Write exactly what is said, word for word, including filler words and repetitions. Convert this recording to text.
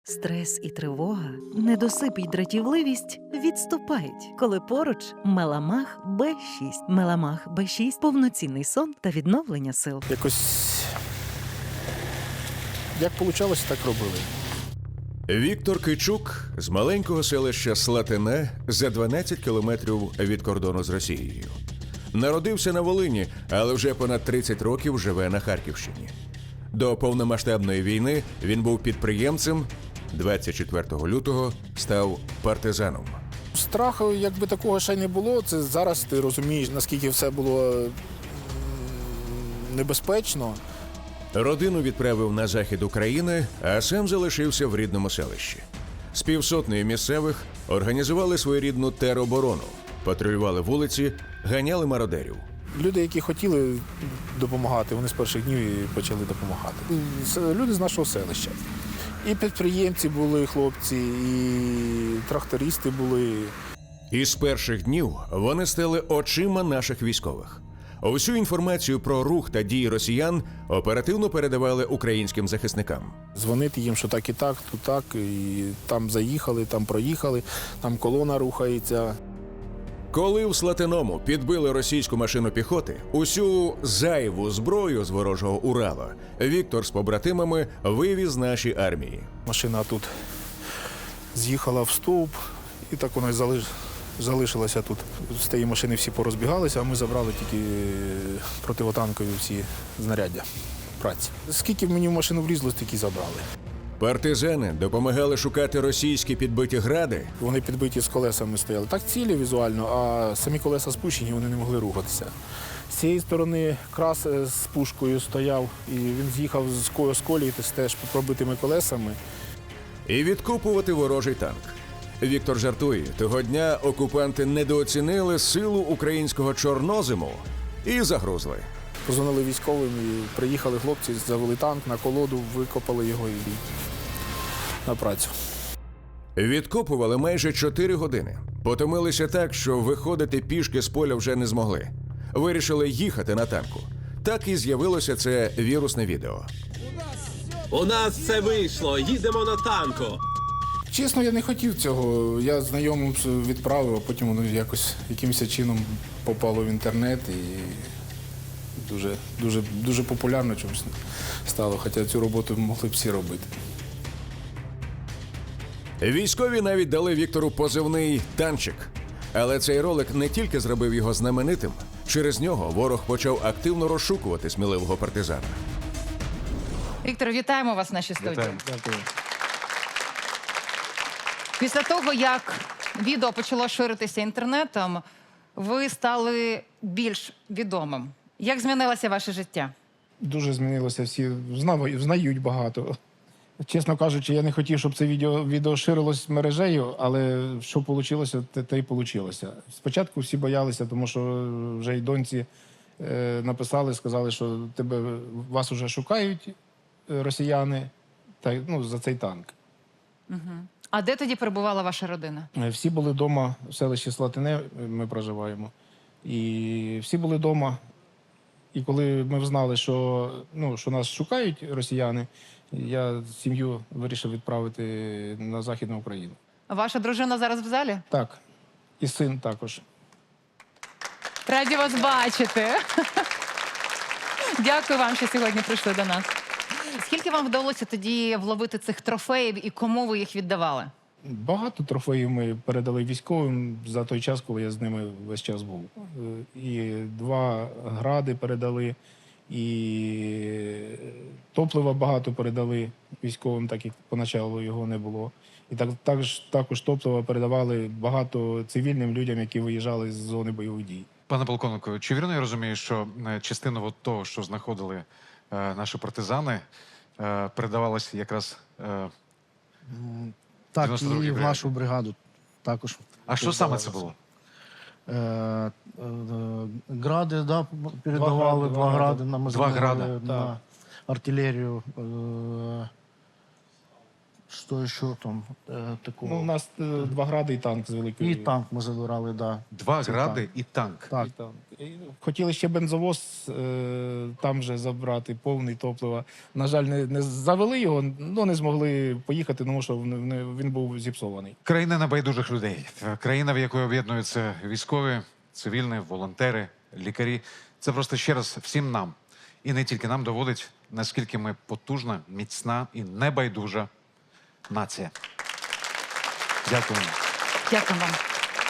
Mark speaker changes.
Speaker 1: Стрес і тривога, недосип і дратівливість відступають, коли поруч Меламах Б шість. Меламах Б шість – повноцінний сон та відновлення сил.
Speaker 2: Якось як вийшло, так робили.
Speaker 3: Віктор Кичук з маленького селища Слатине за дванадцять кілометрів від кордону з Росією. Народився на Волині, але вже понад тридцять років живе на Харківщині. До повномасштабної війни він був підприємцем, двадцять четвертого лютого став партизаном.
Speaker 2: Страху, якби такого ще й не було, це зараз ти розумієш, наскільки все було м, небезпечно.
Speaker 3: Родину відправив на захід України, а сам залишився в рідному селищі. З півсотнею місцевих організували своєрідну тероборону, патрулювали вулиці, ганяли мародерів.
Speaker 2: Люди, які хотіли допомагати, вони з перших днів і почали допомагати. Це люди з нашого селища. І підприємці були хлопці, і трактористи були.
Speaker 3: І з перших днів вони стали очима наших військових. Усю інформацію про рух та дії росіян оперативно передавали українським захисникам.
Speaker 2: Дзвонити їм, що так і так, тут так, і там заїхали, там проїхали, там колона рухається.
Speaker 3: Коли в Слатиному підбили російську машину піхоти, усю зайву зброю з ворожого Урала Віктор з побратимами вивіз нашій армії.
Speaker 2: Машина тут з'їхала в стовп, і так вона й залиш... залишилася тут. З тієї машини всі порозбігалися, а ми забрали тільки противотанкові всі знаряддя праці. Скільки мені в машину влізло, стільки забрали.
Speaker 3: Партизани допомагали шукати російські підбиті гради.
Speaker 2: Вони підбиті з колесами стояли. Так цілі візуально, а самі колеса спущені, вони не могли рухатися. З цієї сторони крас з пушкою стояв, і він з'їхав з ко- з колії з теж пробитими колесами.
Speaker 3: І відкупувати ворожий танк. Віктор жартує, того дня окупанти недооцінили силу українського чорнозиму і загрузли.
Speaker 2: Позвонили військовим, і приїхали хлопці, завели танк на колоду, викопали його і на працю.
Speaker 3: Відкопували майже чотири години. Потомилися так, що виходити пішки з поля вже не змогли. Вирішили їхати на танку. Так і з'явилося це вірусне відео.
Speaker 4: У нас це вийшло, їдемо на танку.
Speaker 2: Чесно, я не хотів цього. Я знайомим відправив, а потім воно якось якимось чином попало в інтернет і дуже, дуже, дуже популярно чомусь стало, хоча цю роботу могли б всі робити.
Speaker 3: Військові навіть дали Віктору позивний «Танчик». Але цей ролик не тільки зробив його знаменитим, через нього ворог почав активно розшукувати сміливого партизана.
Speaker 5: Віктор, вітаємо вас в нашій студії.
Speaker 6: Вітаю. Дякую.
Speaker 5: Після того, як відео почало ширитися інтернетом, ви стали більш відомим. Як змінилося ваше життя?
Speaker 2: Дуже змінилося, всі знають, знають багато. Чесно кажучи, я не хотів, щоб це відео, відео ширилось мережею, але що вийшло, те, те й вийшло. Спочатку всі боялися, тому що вже й доньці е, написали, сказали, що тебе, вас вже шукають е, росіяни та, ну, за цей танк.
Speaker 5: Угу. А де тоді перебувала ваша родина?
Speaker 2: Е, Всі були вдома, в селищі Слатине ми проживаємо. І всі були вдома. І коли ми знали, що, ну, що нас шукають росіяни, я сім'ю вирішив відправити на Західну Україну.
Speaker 5: Ваша дружина зараз в залі?
Speaker 2: Так, і син також.
Speaker 5: Раді вас бачити. Дякую вам, що сьогодні прийшли до нас. Скільки вам вдалося тоді вловити цих трофеїв і кому ви їх віддавали?
Speaker 2: Багато трофеїв ми передали військовим за той час, коли я з ними весь час був. І два гради передали, і топлива багато передали військовим, так як поначалу його не було. І так, також, також топлива передавали багато цивільним людям, які виїжджали з зони бойових дій.
Speaker 6: Пане полковнику, чи вірно я розумію, що е, частина от того, що знаходили е, наші партизани, е, передавалася якраз... Е,
Speaker 7: Так,
Speaker 6: дев'яносто другій
Speaker 7: і в
Speaker 6: бригаді?
Speaker 7: нашу бригаду також.
Speaker 6: а що саме це було?
Speaker 7: Е, е, гради, да, передавали,
Speaker 2: гради,
Speaker 7: два
Speaker 2: два
Speaker 7: гради на
Speaker 6: Два гради,
Speaker 7: на артилерію. Е, Що ще там е, такого?
Speaker 2: Ну, у нас е, два гради і танк з великої.
Speaker 7: І танк ми забирали, да.
Speaker 6: Два
Speaker 7: Це
Speaker 6: гради
Speaker 7: так.
Speaker 6: і танк.
Speaker 7: Так.
Speaker 2: І танк. І хотіли ще бензовоз е, там же забрати, повний топлива. На жаль, не, не завели його, ну не змогли поїхати, тому що він, він був зіпсований.
Speaker 6: Країна небайдужих людей. Країна, в якої об'єднуються військові, цивільні, волонтери, лікарі. Це просто ще раз всім нам. І не тільки нам доводить, наскільки ми потужна, міцна і небайдужа нація. Дякую.
Speaker 5: Дякую вам.